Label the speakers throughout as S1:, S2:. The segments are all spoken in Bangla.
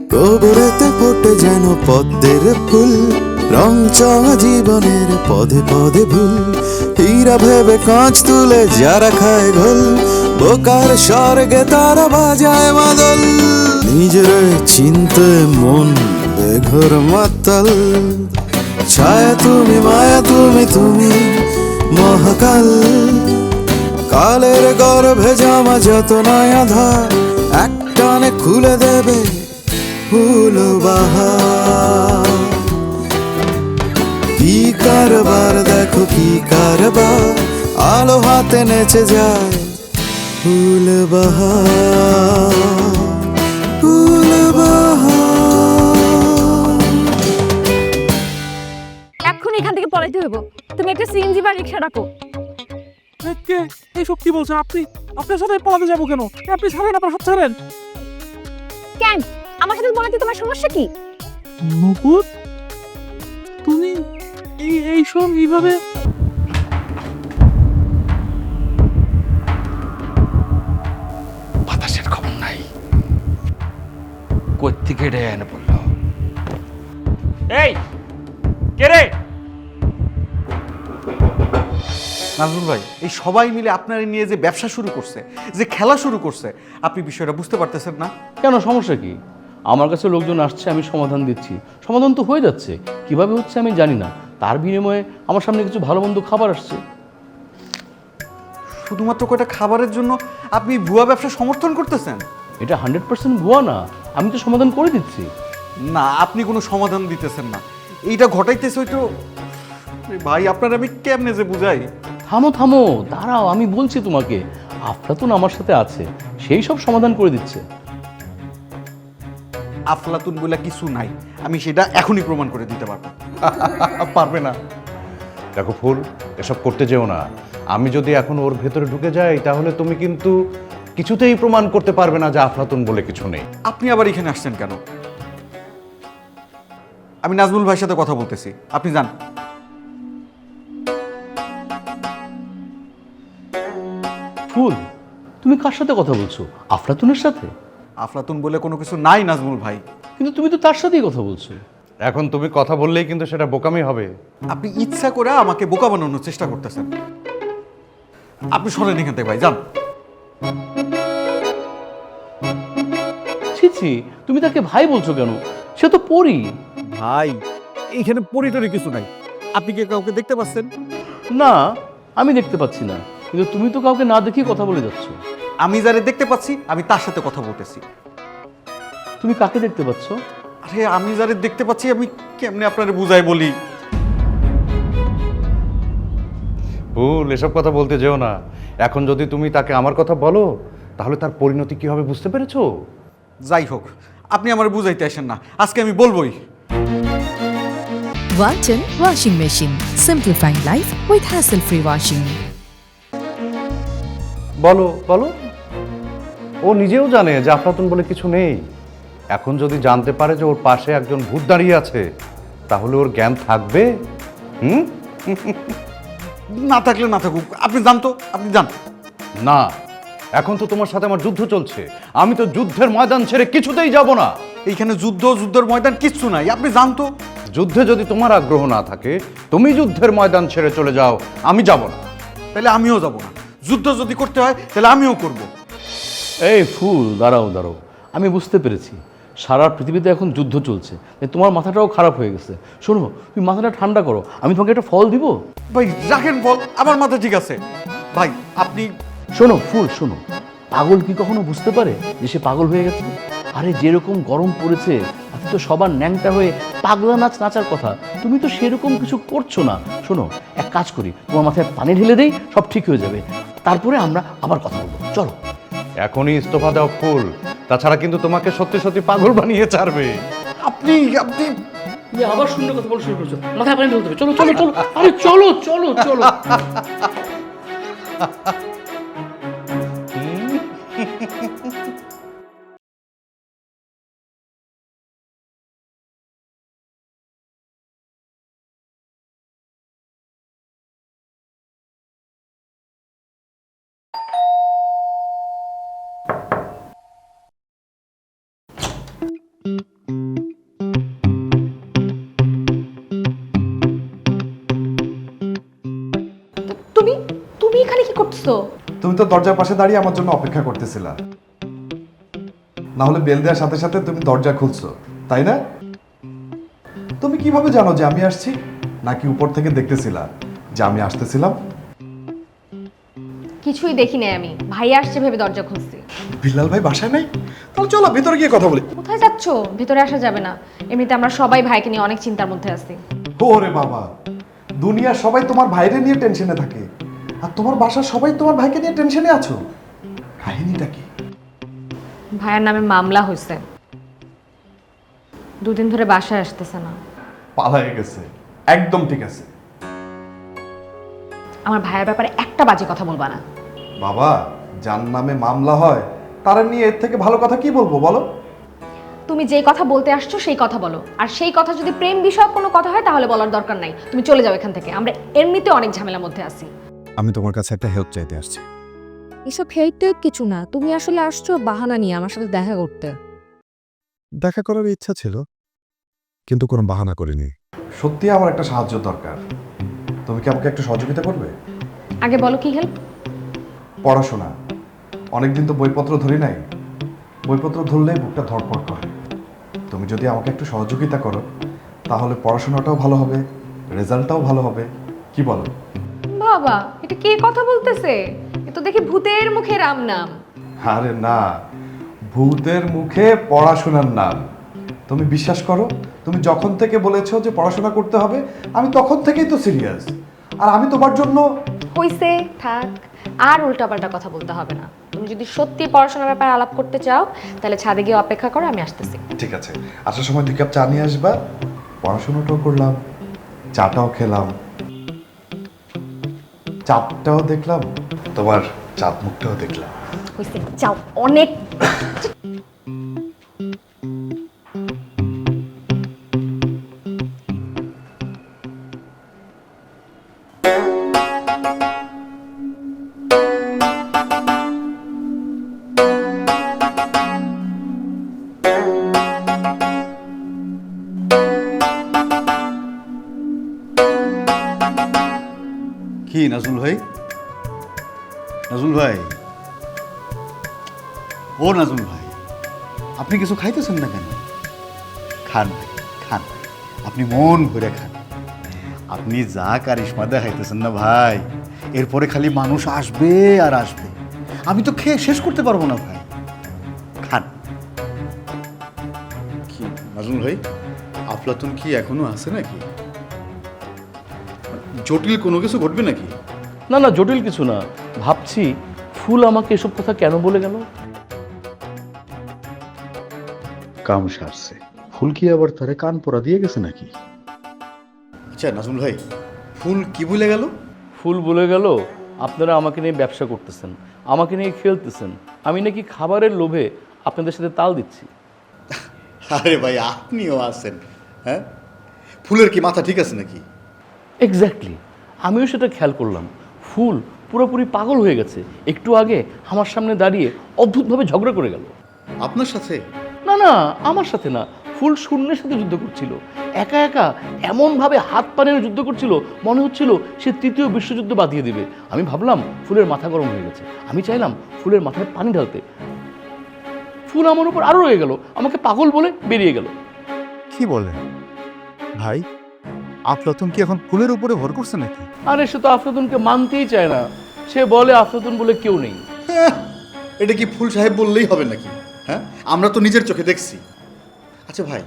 S1: গোবরেতে ফোটে যেন পদ্মের ফুল, রং চঙা জীবনের পদে পদে ভুল। হীরা ভেবে কাঁচ তুলে যারা খায় ঘোল, বোকার স্বর্গে তারা বাজায় মাদল। নিজের চিনতে মন বেঘর মাতাল, ছায়া তুমি মায়া তুমি তুমি মহাকাল। কালের গর্ভে জামা যত নয়া ধার, একটানে খুলে দেবে ফুল বাহার। কি কারবার দেখো কি কারবার, আলো হাতে নেচে যায় ফুল বাহার, ফুল বাহার।
S2: এখন এখান থেকে পলাইতে হইব। তুমি একটা সিএনজি বা রিক্সা ডাকো।
S3: কে এইসব কি বলছেন আপনি? আপনার সাথে পলাতে যাবো কেন? আপনি ছাড়েন, আপনার হাত ছাড়েন।
S2: কেন আমার সাথে পলাইতে তোমার সমস্যা কি?
S3: নকুল, তুমি এইসব এইভাবে?
S4: বাতাসের খবর নাই, কোত্থেকে রে এনে পড়লো? এই কে রে?
S5: নাজমুল ভাই, এই সবাই মিলে আপনার নিয়ে যে ব্যবসা শুরু করছে, যে খেলা শুরু করছে, আপনি বিষয়টা বুঝতে পারতেছেন না?
S6: কেন, সমস্যা কি? আমার কাছে লোকজন আসছে, আমি সমাধান দিচ্ছি, সমাধান তো হয়ে যাচ্ছে। কিভাবে হচ্ছে আমি জানি না, তার বিনিময়ে আমার সামনে কিছু ভালো মন্দ খাবার আসছে।
S5: শুধুমাত্র কয়টা খাবারের জন্য আপনি ভুয়া ব্যবসা সমর্থন করতেছেন?
S6: এটা 100% ভুয়া না, আমি তো সমাধান করে দিচ্ছি।
S5: না, আপনি কোনো সমাধান দিতেছেন না, এইটা ঘটাইতেছে হয়তো। ভাই, আপনার আমি কেমনে যে বুঝাই?
S6: থামো থামো, দাঁড়াও, আমি বলছি তোমাকে। আফলাতুন আমার সাথে আছে, সেই সব সমাধান করে দিচ্ছে।
S5: আফলাতুন বলে কিছু নাই, আমি সেটা এখনই প্রমাণ করে দিতে পারবো।
S7: পারবে না। দেখো ফুল, এসব করতে যেও না। আমি যদি এখন ওর ভেতরে ঢুকে যাই, তাহলে তুমি কিন্তু কিছুতেই প্রমাণ করতে পারবে না যে আফলাতুন বলে কিছু নেই।
S5: আপনি আবার এখানে আসছেন কেন? আমি নাজমুল ভাইয়ের সাথে কথা বলতেছি, আপনি যান।
S6: ফুল, তুমি কার সাথে কথা বলছো? আফলাতুনের সাথে?
S5: আফলাতুন বলে কোনো কিছু নাই নাজমুল ভাই।
S6: কিন্তু তুমি তো তার সাথেই কথা বলছো।
S7: এখন তুমি কথা বললেই কিন্তু সেটা বোকামি হবে।
S5: আপনি ইচ্ছা করে আমাকে বোকা বানানোর চেষ্টা করতেছেন। আপনি শোনেন এখান থেকে ভাই, যান।
S6: ছি ছি, তুমি তাকে ভাই বলছো কেন? সে তো পরী।
S3: ভাই, এইখানে পরিটরি কিছু নাই। আপনি কি কাউকে দেখতে পাচ্ছেন?
S6: না, আমি দেখতে পাচ্ছি না, কিন্তু তুমি তো কাউকে না দেখি কথা বলে যাচ্ছ।
S5: আমি যারে দেখতে পাচ্ছি আমি তার সাথে কথা বলতেছি।
S6: তুমি কাকে দেখতে পাচ্ছ?
S5: আরে আমি যারে দেখতে পাচ্ছি আমি কেমনে আপনারে বুঝাই বলি?
S7: ফুল, এসব কথা বলতে যেও না। এখন যদি তুমি তাকে আমার কথা বলো, তাহলে তার পরিণতি কি হবে বুঝতে পেরেছো?
S5: যাই হোক, আপনি আমার বুঝাইতে আসেন না, আজকে আমি বলবোই।
S8: Walton Washing Machine. Simplifying life with hassle-free washing.
S7: বলো বলো। ও নিজেও জানে যে আফলাতুন বলে কিছু নেই। এখন যদি জানতে পারে যে ওর পাশে একজন ভূত দাঁড়িয়ে আছে, তাহলে ওর জ্ঞান থাকবে? হুম?
S5: না থাকলে না থাকুক, আপনি যান তো, আপনি যান।
S7: না, এখন তো তোমার সাথে আমার যুদ্ধ চলছে। আমি তো যুদ্ধের ময়দান ছেড়ে কিছুতেই যাব না।
S5: এইখানে যুদ্ধের ময়দান কিচ্ছু নাই, আপনি যান তো।
S7: যুদ্ধে যদি তোমার আগ্রহ না থাকে, তুমি যুদ্ধের ময়দান ছেড়ে চলে যাও, আমি যাব না।
S5: তাহলে আমিও যাব না। যুদ্ধ যদি করতে হয় তাহলে আমিও করব।
S6: এই ফুল, দাঁড়াও দাঁড়াও, আমি বুঝতে পেরেছি সারা পৃথিবীতে এখন যুদ্ধ চলছে, তাই তোমার মাথাটাও খারাপ হয়ে গেছে। শোনো, তুমি মাথাটা ঠান্ডা করো, আমি তোমাকে একটা ফল দিব।
S5: ভাই রাখেন বল, আমার মাথা ঠিক আছে। ভাই আপনি
S6: শোনো ফুল, শোনো, পাগল কি কখনো বুঝতে পারে যে সে পাগল হয়ে গেছে? আরে যেরকম গরম পড়েছে, তাতে তো সবার ন্যাংটা হয়ে পাগলা নাচ নাচার কথা। তুমি তো সেরকম কিছু করছো না। শোনো, এক কাজ করি, তোমার মাথায় পানি ঢেলে দেই, সব ঠিক হয়ে যাবে। তারপরে আমরা আবার কথা বলবো, চলো।
S7: এখনই ইস্তফা দাও ফুল, তাছাড়া কিন্তু তোমাকে সত্যি সত্যি পাগল বানিয়ে ছাড়বে।
S5: আপনি আপনি
S6: আবার শূন্য কথা বলা শুরু করছো, মাথায় পানি ঢেলতে হবে। চলো চলো চলো, আরে চলো চলো চলো।
S2: করছো?
S9: তুমি তো দরজার পাশে দাঁড়িয়ে আমার জন্য অপেক্ষা করতেছিলা, না হলে বেল দেওয়ার সাথে সাথে তুমি দরজা খুলছো, তাই না? তুমি কিভাবে জানো যে আমি আসছি? নাকি উপর থেকে দেখতেছিলা যে আমি আসতেছিলাম?
S2: কিছুই দেখি নাই আমি, ভাই আসছে ভেবে দরজা খুলছি।
S9: বিল্লাল ভাই বাসায় নাই? তাহলে চলো ভিতরে গিয়ে কথা বলি।
S2: কোথায় যাচ্ছো? ভিতরে আসা যাবে না, এমনিতে আমরা সবাই ভাইকে নিয়ে অনেক চিন্তার মধ্যে আছি।
S9: ওরে বাবা, দুনিয়ার সবাই তোমার ভাইরে নিয়ে টেনশনে থাকে, আর তোমার বাসার সবাই তোমার ভাইকে নিয়ে টেনশনে আছো। কাহিনীটা কি?
S2: ভাইয়ের নামে মামলা হয়েছে, 2 দিন ধরে বাসায় আসতেছে না।
S9: পালায়ে গেছে, একদম ঠিক আছে।
S2: আমার ভাইয়ের ব্যাপারে একটা বাজে কথা বলবা না।
S9: বাবা, যার নামে মামলা হয় তারা নিয়ে এর থেকে ভালো কথা কি বলবো বলো?
S2: তুমি যেই কথা বলতে আসছো সেই কথা বলো, আর সেই কথা যদি প্রেম বিষয়ক কোনো কথা হয় তাহলে বলার দরকার নাই। তুমি চলে যাও এখান থেকে, আমরা এমনিতে অনেক ঝামেলার মধ্যে আছি।
S1: আমি তোমার কাছে একটা হেল্প চাইতে আসছি।
S8: এসব হেল্প কিছু না, তুমি আসলে আসছো বাহানা নিয়ে আমার সাথে দেখা করতে।
S1: দেখা করার ইচ্ছা ছিল, কিন্তু কোনো বাহানা করিনি।
S9: সত্যি আমার একটা সাহায্য দরকার, তুমি কি আমাকে একটু সহযোগিতা করবে?
S2: আগে বলো কি হেল্প?
S9: পড়াশোনা, অনেকদিন তো বইপত্র ধরি নাই, বইপত্র ধরলেই বুকটা ধরপড় করে। তুমি যদি আমাকে একটু সহযোগিতা করো তাহলে পড়াশোনাটাও ভালো হবে, রেজাল্টটাও ভালো হবে। কি বলো?
S2: বাবা, এটা কে কথা বলতেছে? এ তো দেখি ভূতের মুখে রাম নাম।
S9: আরে না, ভূতের মুখে পড়াশোনার নাম। তুমি বিশ্বাস করো, তুমি যখন থেকে বলেছো যে পড়াশোনা করতে হবে, আমি তখন থেকেই তো সিরিয়াস। আর আমি তোমার জন্য...
S2: হইছে, থাক, আর উল্টাপাল্টা কথা বলতে হবে না। তুমি যদি সত্যি পড়াশোনার ব্যাপারে আলাপ করতে চাও তাহলে ছাদে গিয়ে অপেক্ষা করো, আমি আসতেছি।
S9: ঠিক আছে, আসার সময় 2 কাপ চা নিয়ে আসবা। পড়াশোনাটাও করলাম, চাটাও খেলাম, চাপটাও দেখলাম, তোমার চাপ মুখটাও দেখলাম।
S2: হইছে, যাও, অনেক।
S5: কি নাজমুল ভাই? নাজমুল ভাই, ও নাজমুল ভাই, আপনি কিছু খাইতেছেন না কেন? খান ভাই, খান, আপনি মন ভরে খান। আপনি যা কারিশমা দেখাইতেছেন না ভাই, এরপরে খালি মানুষ আসবে আর আসবে, আমি তো খেয়ে শেষ করতে পারবো না ভাই। খান।
S10: কি নাজমুল ভাই, আফলাতুন কি এখনো আছে নাকি? জটিল কোনো কিছু ঘটবে নাকি?
S6: না না, জটিল কিছু না, ভাবছি ফুল আমাকে এসব কথা কেন বলে গেল।
S10: কাম সারছে, ফুল কি আবার তারে কান পরা দিয়ে গেছে নাকি? আচ্ছা নাজমুল ভাই, ফুল কি বলে গেল?
S6: ফুল বলে গেল আপনারা আমাকে নিয়ে ব্যবসা করতেছেন, আমাকে নিয়ে খেলতেছেন, আমি নাকি খাবারের লোভে আপনাদের সাথে তাল দিচ্ছি।
S10: আরে ভাই, আপনিও আছেন? হ্যাঁ, ফুলের কি মাথা ঠিক আছে নাকি?
S6: এক্স্যাক্টলি, আমিও সেটা খেয়াল করলাম। ফুল পুরোপুরি পাগল হয়ে গেছে। একটু আগে আমার সামনে দাঁড়িয়ে অদ্ভুতভাবে ঝগড়া করে গেল।
S10: আপনার সাথে?
S6: না না, আমার সাথে না, ফুল শূন্যের সাথে যুদ্ধ করছিল। একা একা এমনভাবে হাত পা নেড়ে যুদ্ধ করছিল, মনে হচ্ছিল সে 3য় বিশ্বযুদ্ধ বাঁধিয়ে দিবে। আমি ভাবলাম ফুলের মাথা গরম হয়ে গেছে, আমি চাইলাম ফুলের মাথায় পানি ঢালতে। ফুল আমার উপর আরো রয়ে গেল, আমাকে পাগল বলে বেরিয়ে গেল।
S1: কি বলেন ভাই, আফলাতুন কি এখন ফুলের উপরে ভর করছে নাকি?
S6: আরে সে তো আফলাতুনকে মানতেই চায় না, সে বলে আফলাতুন বলে কেউ নেই।
S10: এটা কি ফুল সাহেব বললেই হবে নাকি? হ্যাঁ, আমরা তো নিজের চোখে দেখছি। আচ্ছা ভাই,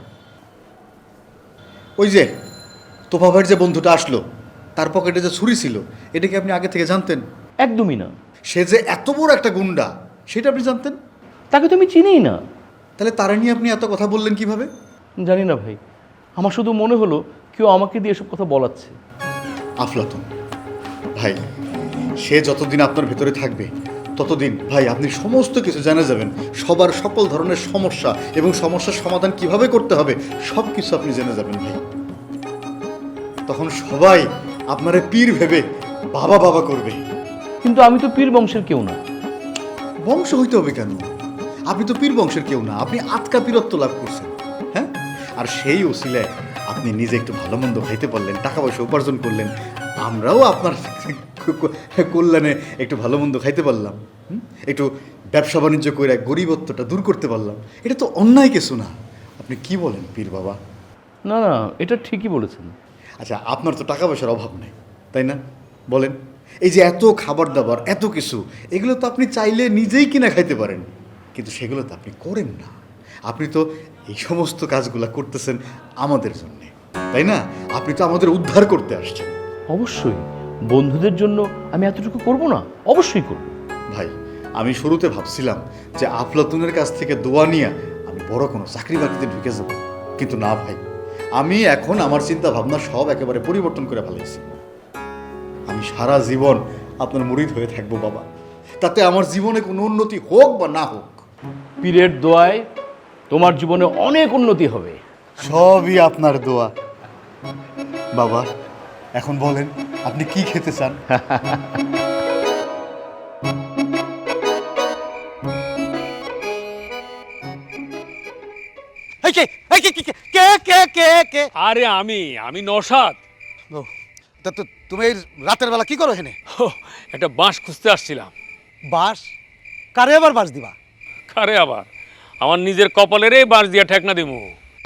S10: ওই যে তোফা ভাইয়ের যে বন্ধুটা আসলো, তার পকেটে যে ছুরি ছিল, এটা কি আপনি আগে থেকে জানতেন?
S6: একদমই না।
S10: সে যে এত বড় একটা গুন্ডা, সেটা আপনি জানতেন?
S6: তাকে তো আমি চিনিই না।
S10: তাহলে তারা নিয়ে আপনি এত কথা বললেন কিভাবে?
S6: জানি না ভাই, আমার শুধু মনে হলো কেউ আমাকে দিয়ে এসব কথা বলাচ্ছে।
S10: আফলাতুন ভাই, সে যতদিন আপনার ভেতরে থাকবে ততদিন ভাই আপনি সমস্ত কিছু জানা যাবেন, সবার সকল ধরনের সমস্যা এবং সমস্যার সমাধান কিভাবে করতে হবে সব কিছু আপনি জেনে যাবেন ভাই। তখন সবাই আপনারে পীর ভেবে বাবা বাবা করবে।
S6: কিন্তু আমি তো পীর বংশের কেউ না।
S10: বংশ হইতে হবে কেন? আপনি তো পীর বংশের কেউ না, আপনি আতকা পীরত্ব লাভ করছেন। হ্যাঁ, আর সেই ওসিলায় আপনি নিজে একটু ভালো মন্দ খাইতে পারলেন, টাকা পয়সা উপার্জন করলেন, আমরাও আপনার কল্যাণে একটু ভালো মন্দ খাইতে পারলাম, একটু ব্যবসা বাণিজ্য করে গরিবত্বটা দূর করতে পারলাম, এটা তো অন্যায় কিছু না। আপনি কি বলেন পীর বাবা?
S6: না না, এটা ঠিকই বলেছেন।
S10: আচ্ছা, আপনার তো টাকা পয়সার অভাব নেই, তাই না? বলেন, এই যে এত খাবার দাবার, এত কিছু, এগুলো তো আপনি চাইলে নিজেই কিনা খাইতে পারেন, কিন্তু সেগুলো তো আপনি করেন না। আপনি তো এই সমস্ত কাজগুলো করতেছেন আমাদের জন্যে, তাই না? আপনি তো আমাদের উদ্ধার করতে আসছেন।
S6: অবশ্যই বন্ধুদের জন্য আমি এতটুকু করব না? অবশ্যই করব।
S10: ভাই, আমি শুরুতে ভাবছিলাম যে আফলাতুনের কাছ থেকে দোয়া নিয়ে আমি বড় কোনো চাকরি বাকরিতে ঢুকে যাব, কিন্তু না ভাই, আমি এখন আমার চিন্তা ভাবনা সব একেবারে পরিবর্তন করে ফেলেছি। আমি সারা জীবন আপনার মুরিদ হয়ে থাকবো বাবা, তাতে আমার জীবনে কোনো উন্নতি হোক বা না হোক।
S6: পীরের দোয়ায় তোমার জীবনে অনেক উন্নতি হবে।
S10: সবই আপনার দোয়া বাবা। এখন বলেন, আপনি কি খেতে চান?
S4: আরে আমি নওশাদ।
S5: তুমি এই রাতের বেলা কি করো এখানে?
S4: একটা বাঁশ খুঁজতে আসছিলাম।
S5: বাস? কারে আবার বাস দিবা?
S4: কারে আবার? আমার নিজের কপালের বাঁশ দিয়া ঠেকনা দিমু।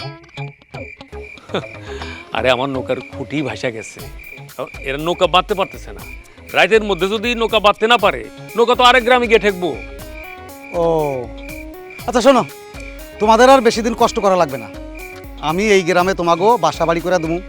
S4: আরে আমার নৌকার খুঁটি ভাসা গেছে, এরা নৌকা বাঁধতে পারতেছে না। রাতের মধ্যে যদি নৌকা বাঁধতে না পারে, নৌকা তো আরেক গ্রামে গিয়ে ঠেকবো।
S5: ও আচ্ছা, শোনো, তোমাদের আর বেশি দিন কষ্ট করা লাগবে না। আমি এই গ্রামে তোমাকেও বাসা বাড়ি করে দেবো।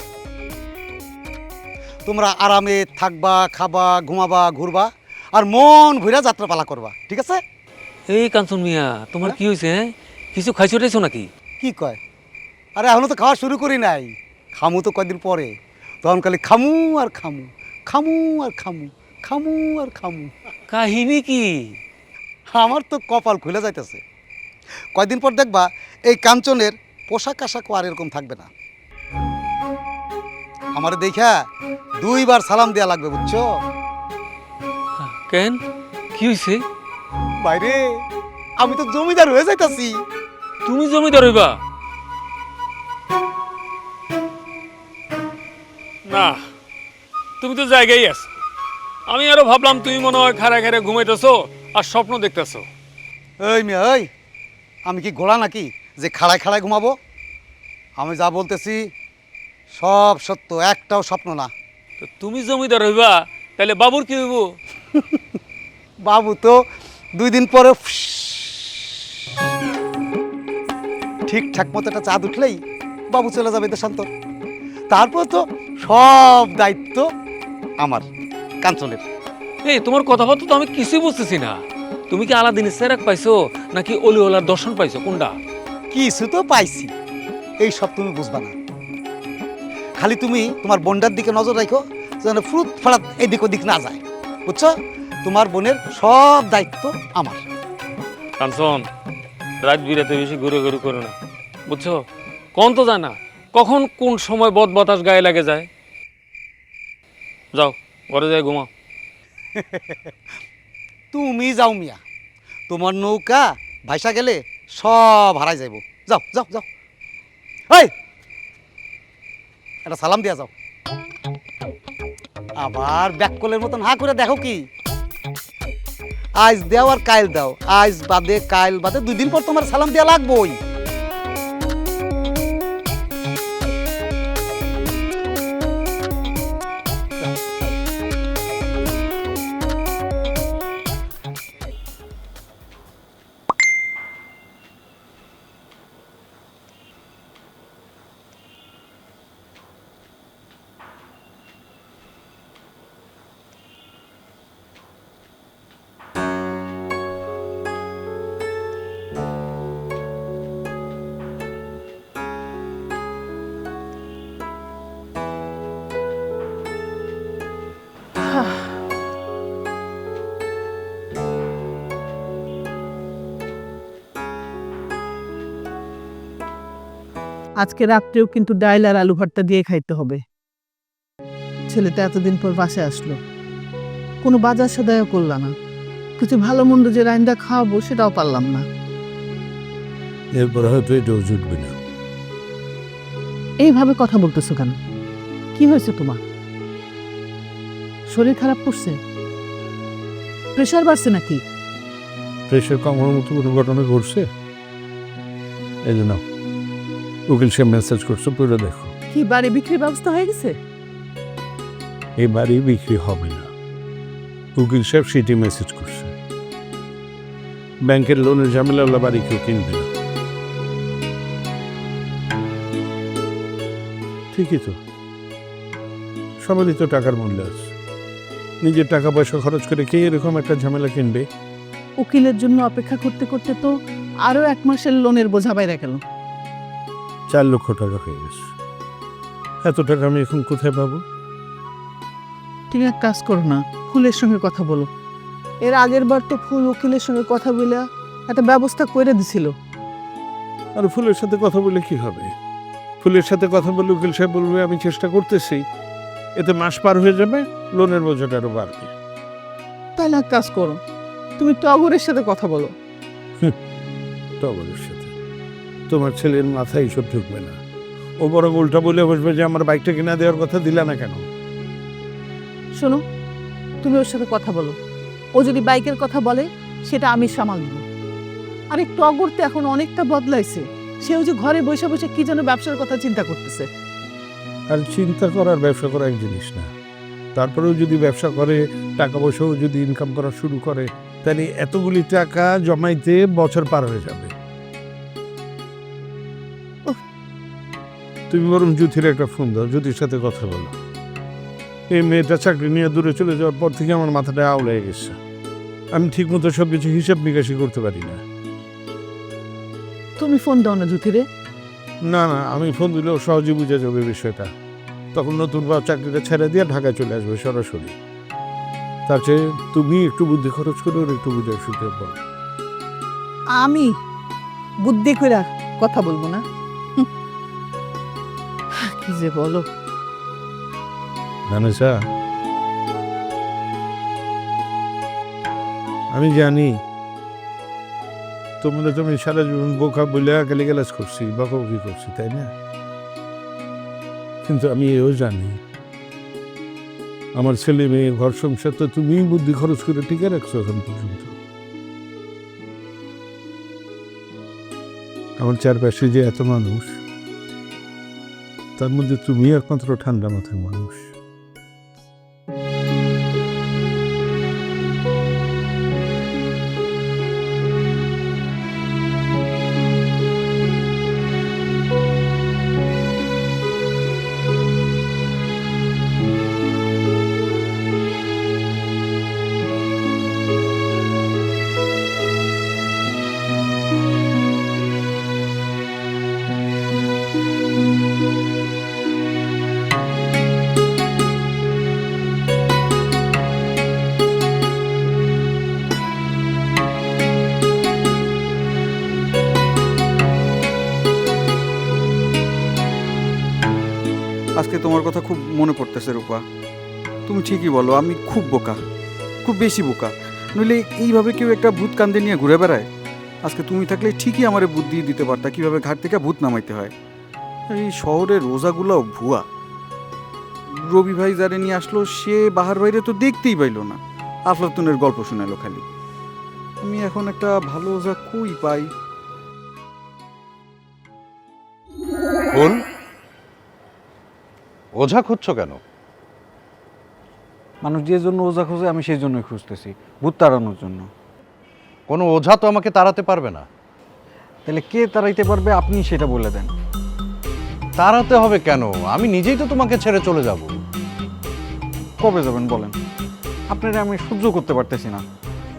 S5: তোমরা আরামে থাকবা, খাবা, ঘুমাবা, ঘুরবা, আর মন ভুইরা যাত্রাপালা করবা, ঠিক আছে?
S4: এই কাঞ্চন মিয়া, তোমার কি হয়েছে? কিছু খাইছো টাইছো নাকি?
S5: কি কয়? আরে এখনো তো খাওয়া শুরু করি নাই, খামু তো কয়দিন পরে। তখন খালি খামু আর খামু, খামু আর খামু, খামু আর খামু।
S4: কাহিনী কি?
S5: আমার তো কপাল খুলে যাইতেছে। কয়দিন পর দেখবা এই কাঞ্চনের পোশাক আশাকও আর এরকম থাকবে না। আমার দেখা 2 বার সালাম দেয়া লাগবে, বুঝছো?
S4: কেন, কি হয়েছে?
S5: বাইরে আমি তো জমিদার হয়ে যাইতাছি।
S4: তুমি জমিদার হইবা? না, তুমি তো জায়গায় আছো। আমি আরো ভাবলাম তুমি মনে হয় খাড়া খাড়া ঘুমাইতেছো আর স্বপ্ন দেখতেছো।
S5: এই মিয়া, এই আমি কি ঘোড়া নাকি যে খাড়ায় খাড়ায় ঘুমাবো? আমি যা বলতেছি সব সত্য, একটাও স্বপ্ন না।
S4: তো তুমি জমিদার হইবা, তাহলে বাবুর কি হইব?
S5: বাবু তো 2 দিন পরে ঠিকঠাক মতো একটা চাঁদ উঠলেই বাবু চলে যাবে দেশান্তর। তারপর তো সব দায়িত্ব আমার, কাঞ্চনের।
S4: এই তোমার কথাবার্তা তো আমি কিছুই বুঝতেছি না। তুমি কি আলাদিনের সেরাক পাইছো নাকি অলিওলার দর্শন পাইছো? কোনটা?
S5: কিছু তো পাইছি, এই সব তুমি বুঝবা না। খালি তুমি তোমার বোনটার দিকে নজর রাখো, যেন ফুরুত ফাড়াত এদিক ওদিক না যায়, বুঝছো? তোমার বোনের সব দায়িত্ব আমার।
S4: কাঞ্চন, রাত বিরাতে বেশি ঘুরে ঘুরে করো না, বুঝছো? কোন তো যায় না কখন কোন সময় বদ বাতাস গায়ে লাগে যায়। যাও ঘরে যাই ঘুমাও।
S5: তুমি যাও মিয়া, তোমার নৌকা ভাইসা গেলে সব হারাই যাইব। যাও যাও যাও, এই একটা সালাম দিয়া যাও। আবার ব্যাককলের মতন হা করে দেখো কি? আজ দেও আর কাইল দাও, আজ বাদে কাইল বাদে 2 দিন পর তোমার সালাম দেওয়া লাগবেই।
S3: আজকে রাত্রেও কিন্তু ডাইল আর আলু ভর্তা দিয়ে খাইতে হবে। ছেলেটা এতদিন পর বাসে আসলো, কোনো বাজার সদাইও করল না, কিছু ভালো মন্দ যে রাইন্দা খাওয়াবো সেটাও পারলাম না।
S11: এরপর হয়তো এটাও জুটবে না।
S3: এইভাবে কথা বলতেছো কেন? কি হয়েছে তোমার? শরীর খারাপ করছে? প্রেশার বাড়ছে নাকি?
S11: প্রেশার কমার মতো কোনো ঘটনা ঘটছে? এই জন্য উকিল সাহেব মেসেজ করছে, পুরো দেখো।
S3: কি বাড়ি বিক্রির ব্যবস্থা হয়ে গেছে?
S11: এই বাড়ি বিক্রি হবে না, উকিল সাহেব সিটি মেসেজ করছে। ব্যাংকের লোনের ঝামেলা হলে বাড়ি কেউ কিনবে না। ঠিকই তো, সবারই তো টাকার মূল্য আছে। নিজের টাকা পয়সা খরচ করে কে এরকম একটা ঝামেলা কিনবে?
S3: উকিলের জন্য অপেক্ষা করতে করতে তো আরো 1 মাসের লোনের বোঝা বাইরে গেল।
S11: 4 লক্ষ টাকা হয়ে গেছে। এত টাকা আমি এখন কোথায় পাবো?
S3: তুমি এক কাজ করো না, ফুলের সঙ্গে কথা বলো। এর আগের বার তো ফুল উকিলের সঙ্গে কথা বলে একটা ব্যবস্থা করে দিছিল।
S11: আর ফুলের সাথে কথা বলে কি হবে? ফুলের সাথে কথা বলে উকিল সাহেব বলবে আমি চেষ্টা করতেছি, এতে মাস পার হয়ে যাবে, লোনের বোঝাটা আরো বাড়বে।
S3: তাহলে এক কাজ করো, তুমি টগরের সাথে কথা বলো।
S11: টগরের সাথে? তোমার ছেলের মাথায় এইসব ঢুকবে না। ও বরং উল্টা বলে বসবে যে আমার বাইকটা কিনা দেওয়ার কথা দিলা না কেন?
S3: শোনো, তুমি ওর সাথে কথা বলো। ও যদি বাইকের কথা বলে সেটা আমি সামাল দিব। আরে টগর তো এখন অনেকটা বদলাইছে। সেও যে ঘরে বসে বসে কি যেন ব্যবসার কথা চিন্তা করতেছে।
S11: আর চিন্তা করার ব্যবসা করা এক জিনিস না। তারপরেও যদি ব্যবসা করে, টাকা পয়সাও যদি ইনকাম করা শুরু করে, তাহলে এতগুলি টাকা জমাইতে বছর পার হয়ে যাবে। তুমি বরং জ্যোতির একটা ফোন দাও, জ্যোতির সাথে কথা বলো। এই মেয়েটা চাকরি নিয়ে দূরে চলে যাওয়ার পর থেকে আমার মাথাটা আউলে গেছে। আমি ঠিক মতো সবকিছু হিসাব নিকাশি করতে পারি না।
S3: তুমি ফোন দাও না জ্যোতিরে।
S11: না না, আমি ফোন দিলেও সহজে বুঝে যাবে বিষয়টা। তখন নতুন বা চাকরিটা ছেড়ে দিয়ে ঢাকায় চলে আসবে সরাসরি। তার চেয়ে তুমি একটু বুদ্ধি খরচ করে ওর একটু বুঝে শুনতে পারো।
S3: আমি বুদ্ধি করে কথা বলবো না? কি যে বলো।
S11: জানেছা, আমি জানি তোমরা তুমি সারা জীবন বোকা বলে গালিগালাজ করছি, বকাবকি করছি, তাই না? কিন্তু আমি এও জানি আমার ছেলে মেয়ে ঘর সংসার তো তুমি বুদ্ধি খরচ করে টিকে রাখছো এখন পর্যন্ত। আমার চারপাশে যে এত মানুষ, তার মধ্যে তুমি একমাত্র ঠান্ডা মাথার মানুষ।
S12: আজকে তোমার কথা খুব মনে পড়তেছে রূপা। তুমি ঠিকই বলো, আমি খুব বোকা, খুব বেশি বোকা। নইলে এইভাবে কেউ একটা ভূত কান্দে নিয়ে ঘুরে বেড়ায়? আজকে তুমি থাকলে ঠিকই আমারে বুদ্ধি দিতে পারতা কিভাবে ঘাট থেকে ভূত নামাইতে হয়। এই শহরের রোজাগুলোও ভুয়া। রবি ভাই যারে নিয়ে আসলো সে বাহার বাইরে তো দেখতেই পাইলো না, আফলাতুনের গল্প শোনালো খালি। আমি এখন একটা ভালো ওজা কই পাই?
S7: ফুল, ওঝা খুঁজছো কেন?
S12: মানুষ যে জন্য ওজা খোঁজে আমি সেই জন্যই খুঁজতেছি, ভূত তাড়ানোর জন্য।
S7: কোনো ওঝা তো আমাকে তাড়াতে পারবে না।
S12: তাহলে কে তাড়াইতে পারবে আপনি সেটা বলে দেন।
S7: তাড়াতে হবে কেন? আমি নিজেই তো তোমাকে ছেড়ে চলে যাব।
S12: কবে যাবেন বলেন? আপনারা আমি সহ্য করতে পারতেছি না।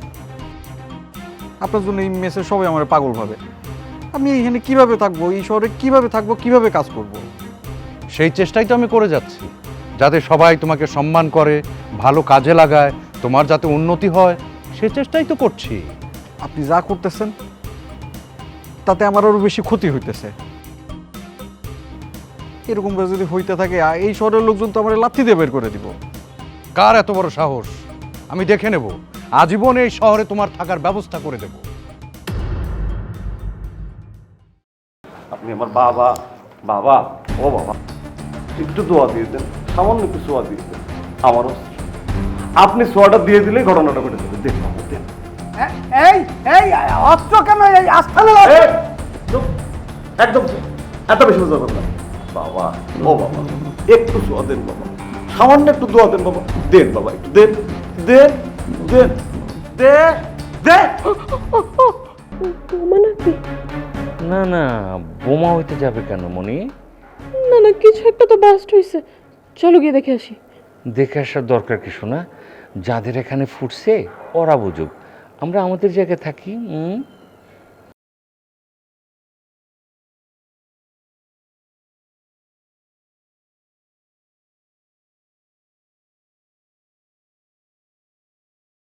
S12: আপনার জন্য এই মেসে সবাই আমার পাগল ভাবে। আমি এখানে কিভাবে থাকবো, এই শহরে কিভাবে থাকবো, কিভাবে কাজ করব?
S7: সেই চেষ্টাই তো আমি করে যাচ্ছি, যাতে সবাই তোমাকে সম্মান করে, ভালো কাজে লাগায়, তোমার যাতে উন্নতি হয়, সেই চেষ্টাই তো করছি।
S12: আপনি যা করতেছেন তাতে আমার আরো বেশি ক্ষতি হইতেছে। এরকম যদি হইতে থাকে এই শহরের লোকজন তো আমার লাথি দিয়ে বের করে দিব।
S7: কার এত বড় সাহস? আমি দেখে নেব, আজীবন এই শহরে তোমার থাকার ব্যবস্থা করে দেব।
S13: আপনি আমার বাবা। বাবা, ও বাবা, একটু দোয়া দিয়ে দেন, সামান্য একটু দোয়া দিয়ে দেন। আমারও আপনি সোয়াটা দিয়ে দিলেই ঘটনাটা ঘটে যাবে। দেন বাবা, দেন।
S3: এই এই অস্ত্র কেন এই আস্থানে
S13: এই, চুপ, একদম চুপ। এত বেশি বুঝতে পারবেন না বাবা। ও বাবা, একটু সোয়া দেন বাবা, সামান্য একটু দোয়া দেন বাবা। দেন বাবা, একটু দেন, দেন, দেন, দেন, দেন।
S6: না না, বোমা হইতে যাবে কেন মনি?
S8: না না, কিছু একটা তো বাস্ট হয়েছে, চলো গিয়ে দেখে আসি।
S6: দেখে আসার দরকার কিছু না, যাদের এখানে ফুটছে ওরা বুঝুক, আমরা আমাদের জায়গায় থাকি।